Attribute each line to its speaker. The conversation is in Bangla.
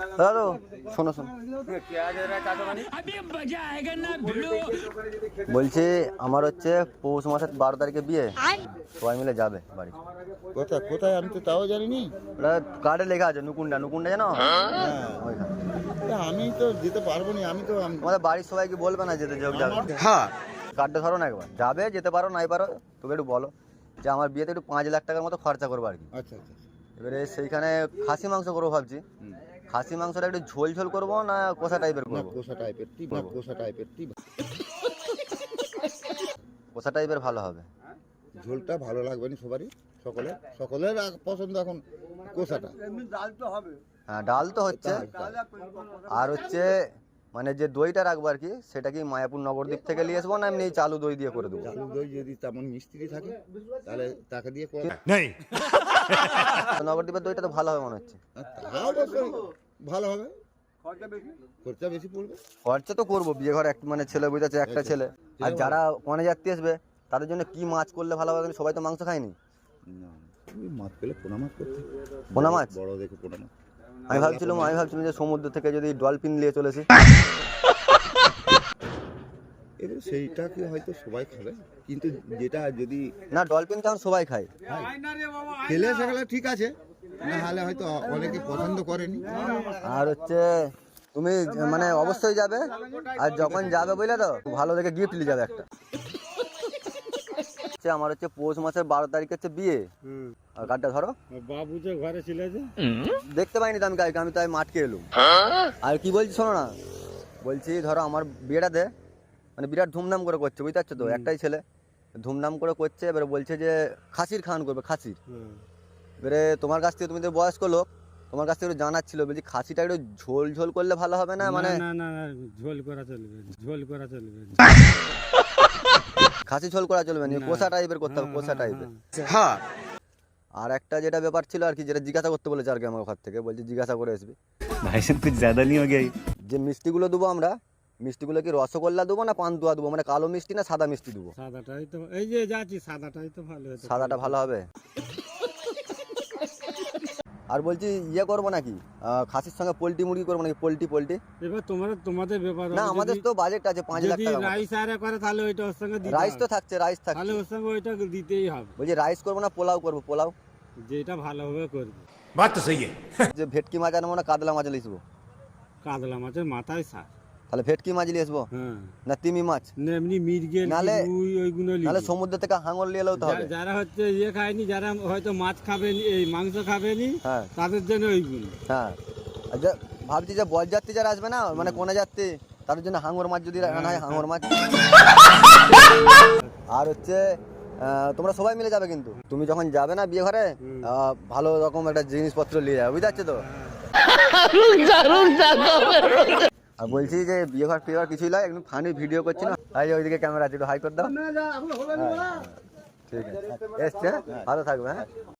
Speaker 1: দাদা শোনো শোনো, বলছি আমার হচ্ছে পৌষ মাসের 12 তারিখে বিয়ে, সবাই মিলে যাবে বাড়ি।
Speaker 2: কোথায় কোথায় আমি তো তাও জানিনি।
Speaker 1: ওটা কার্ডে লেখা আছে, নুকুন্ডা নুকুন্ডা জানো?
Speaker 2: আমি তো যেতে পারবো না, আমি তো
Speaker 1: আমাদের বাড়ির সবাইকে বলবে না যেতে যোগ যাবে। হ্যাঁ, কার্ডটা ধরো না একবার, যাবে যেতে পারো নাই পারো, তোকে একটু বলো যে আমার বিয়েতে একটু 5 লাখ টাকার মতো খরচা করবো আর কি।
Speaker 2: আচ্ছা আচ্ছা।
Speaker 1: এবারে সেইখানে খাসি মাংস করবো ভাবছি। খাসি মাংসটা একটু ঝোল ঝোল করবো না কষা টাইপের করবো?
Speaker 2: কোষা টাইপের
Speaker 1: কষা টাইপের ভালো হবে।
Speaker 2: ঝোলটা ভালো লাগবে না সবারই, সকলের পছন্দ এখন কোষাটা।
Speaker 1: হ্যাঁ, ডাল তো হচ্ছে, আর হচ্ছে মানে যে দইটা রাখবো আর কি, সেটা কি মায়াপুর নগরদ্বীপ থেকে নিয়ে আসবো না এমনি চালু দই দিয়ে করে দেবো?
Speaker 2: চালু দই যদি তেমন মিস্ত্রি থাকে তাহলে তাকে দিয়ে
Speaker 1: নগরদ্বীপের দইটা তো ভালো হবে মনে হচ্ছে।
Speaker 2: অবশ্যই ভালো হবে, খরচা বেশি পড়বে।
Speaker 1: খরচা তো করবো, বিয়ে ঘরে মানে ছেলে বুঝেছে, একটা ছেলে। আর যারা কনে যাত্রী আসবে তাদের জন্য কি মাছ করলে ভালো হবে? সবাই তো মাংস খায়নি।
Speaker 2: মাছ পেলে পোনা মাছ করতে,
Speaker 1: পোনা মাছ
Speaker 2: বড় দেখে পোনা মাছ।
Speaker 1: আমি ভাবছিলাম যে সমুদ্র থেকে যদি ডলফিন নিয়ে চলেছি,
Speaker 2: এবার সেইটাকে হয়তো সবাই খাবে, কিন্তু যেটা যদি
Speaker 1: না ডলফিন তো সবাই খায়,
Speaker 2: খেলে সেগুলো ঠিক আছে, না হলে হয়তো অনেকে পছন্দ করেনি।
Speaker 1: আর হচ্ছে তুমি মানে অবশ্যই যাবে, আর যখন যাবে বুঝলে তো ভালো দেখে গিফট নিয়ে যাবে একটা। আমার হচ্ছে পৌষ মাসের 12 তারিখ হচ্ছে বিয়ে। আর কার্ডটা ধরো।
Speaker 2: বাবু যে ঘরে ছিল যে
Speaker 1: দেখতে পাইনি তো আমি কালকে, আমি তাই মাঠকে এলুম। আর কি বলছি শোনো না, বলছি ধরো আমার বিয়েটাতে মানে বিরাট ধুমধাম করে করছে, বুঝতে পারছো তো, একটাই ছেলে ধুমধাম করে করছে। এবারে বলছে যে খাসির খাওয়ান করবে, খাসির। এবারে তোমার কাছ থেকে, তুমি তো বয়স্ক লোক, তোমার কাছ থেকে একটু জানার ছিল, বলছি খাসিটা একটু ঝোল ঝোল করলে ভালো হবে না? মানে
Speaker 3: না ঝোল করা চলবে,
Speaker 1: খাসি ঝোল করা চলবে না, কষা টাইপের করতে হবে, কষা টাইপের। হ্যাঁ, আর একটা যেটা ব্যাপার ছিল আর কি, যেটা জিজ্ঞাসা করতে বলেছে আর কি আমার ঘর থেকে, বলছি জিজ্ঞাসা করে আসবি।
Speaker 4: ভাই সাহেব कुछ ज्यादा नहीं हो गया?
Speaker 1: যে মিষ্টিগুলো দেবো আমরা, মিষ্টিগুলো কি রসগোল্লা দেবো না পান্তুয়া দেবো? মানে কালো মিষ্টি না সাদা মিষ্টি দেবো?
Speaker 3: সাদাটাই তো, এই যে যাচ্ছি সাদাটাই তো ভালো হতো।
Speaker 1: সাদাটা ভালো হবে। আর বলছি ইয়ে করবো নাকি, খাসির সঙ্গে পোলট্রি মুরগি করবো নাকি? পোলট্রি
Speaker 3: এবার তোমাদের ব্যাপার।
Speaker 1: না, আমাদের তো বাজেট আছে 5 লাখ টাকা।
Speaker 3: রাইস আরে করে তাহলে ওইটা ওর সঙ্গে দিতে
Speaker 1: রাইস তো থাকছে, রাইস
Speaker 3: তাহলে
Speaker 1: থাকছে,
Speaker 3: ওর সঙ্গে ওইটা দিতেই হবে।
Speaker 1: বলছি রাইস করবো না পোলাও করবো? পোলাও
Speaker 3: যেটা ভালোভাবে করবে।
Speaker 4: बात तो सही है।
Speaker 1: যে ভেটকি মাছ আনবো না কাতলা মাছ লিখবো?
Speaker 3: কাতলা মাছের মাথায় সার।
Speaker 1: তাহলে ভেটকি মাছ নিয়ে আসবো
Speaker 3: হ্যাঁ,
Speaker 1: না তিমি মাছ?
Speaker 3: এমনি মির্গেল
Speaker 1: নালে-
Speaker 3: ওইগুলো
Speaker 1: তাহলে সমুদ্র থেকে হাঙর নিয়ে এলেও তো হবে।
Speaker 3: যারা হচ্ছে ইয়ে খায়নি, যারা হয়তো মাছ খাবেনি, এই মাংস খাবেনি,
Speaker 1: হ্যাঁ
Speaker 3: তাদের জন্য ওইগুলো।
Speaker 1: হ্যাঁ, আর ভাবছি যে বরযাত্রী যারা আসবে না, মানে কোনে যাত্রী, তাদের জন্য হাঙর মাছ যদি রান্না হয়, হাঙর মাছ। আর হচ্ছে তোমরা সবাই মিলে যাবে, কিন্তু তুমি যখন যাবে না বিয়ে ঘরে, ভালো রকম একটা জিনিসপত্র নিয়ে যাবে, বুঝতে পারছো তো? আর বলছি যে বিয়ে ঘর ফিয়ে ঘর কিছুই নয়, একদম ফানি ভিডিও করছি না, এই যে ওইদিকে ক্যামেরা আছে, একটু হাই করে দাও। ঠিক আছে, এসছে, ভালো থাকবে। হ্যাঁ।